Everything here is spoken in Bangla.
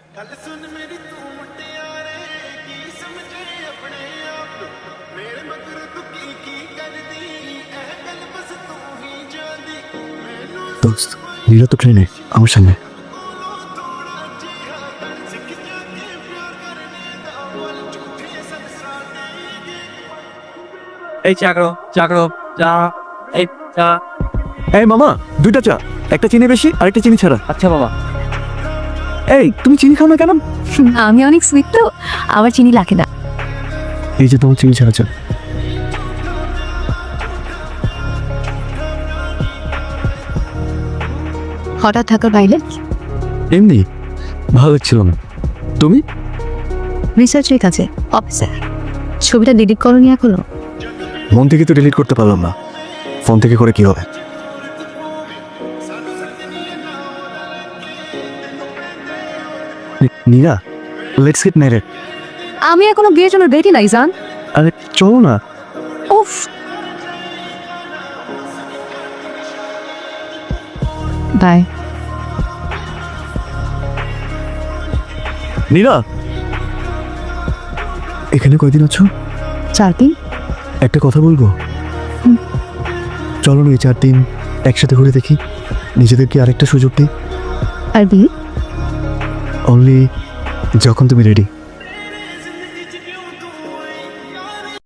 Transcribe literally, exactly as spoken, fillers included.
দোস্ত নীরা তো ট্রেনে আমার সঙ্গে। এই চাকরো চাকরো চা এই চা। এই মামা, দুইটা চা, একটা চিনি বেশি আর একটা চিনি ছাড়া। আচ্ছা বাবা। এই তুমি চিনি খাও না কেন? আমি অনেক সুইট তো, আমার চিনি লাগে না। এই যে তোমার চিনি ছাড়া চা। হঠাৎ থাকার বাইরে এমনি ভালো লাগছিল না। তুমি? রিসার্চের কাছে অফিসার। ছবিটা ডিলিট করনি এখনো? মন থেকে তো ডিলিট করতে পারলাম না, ফোন থেকে করে কি হবে? Neera, let's get married. আমি এখনো বিয়ের জন্য রেডি নাই জান। আরে চলো না। উফ, বাই। নীরা, এখানে কয়দিন আছো? চার দিন। একটা কথা বলবো? চলো না এই চার দিন একসাথে ঘুরে দেখি, নিজেদেরকে আরেকটা সুযোগ দিই। আর বিয়ে? অনলি যখন তুমি রেডি।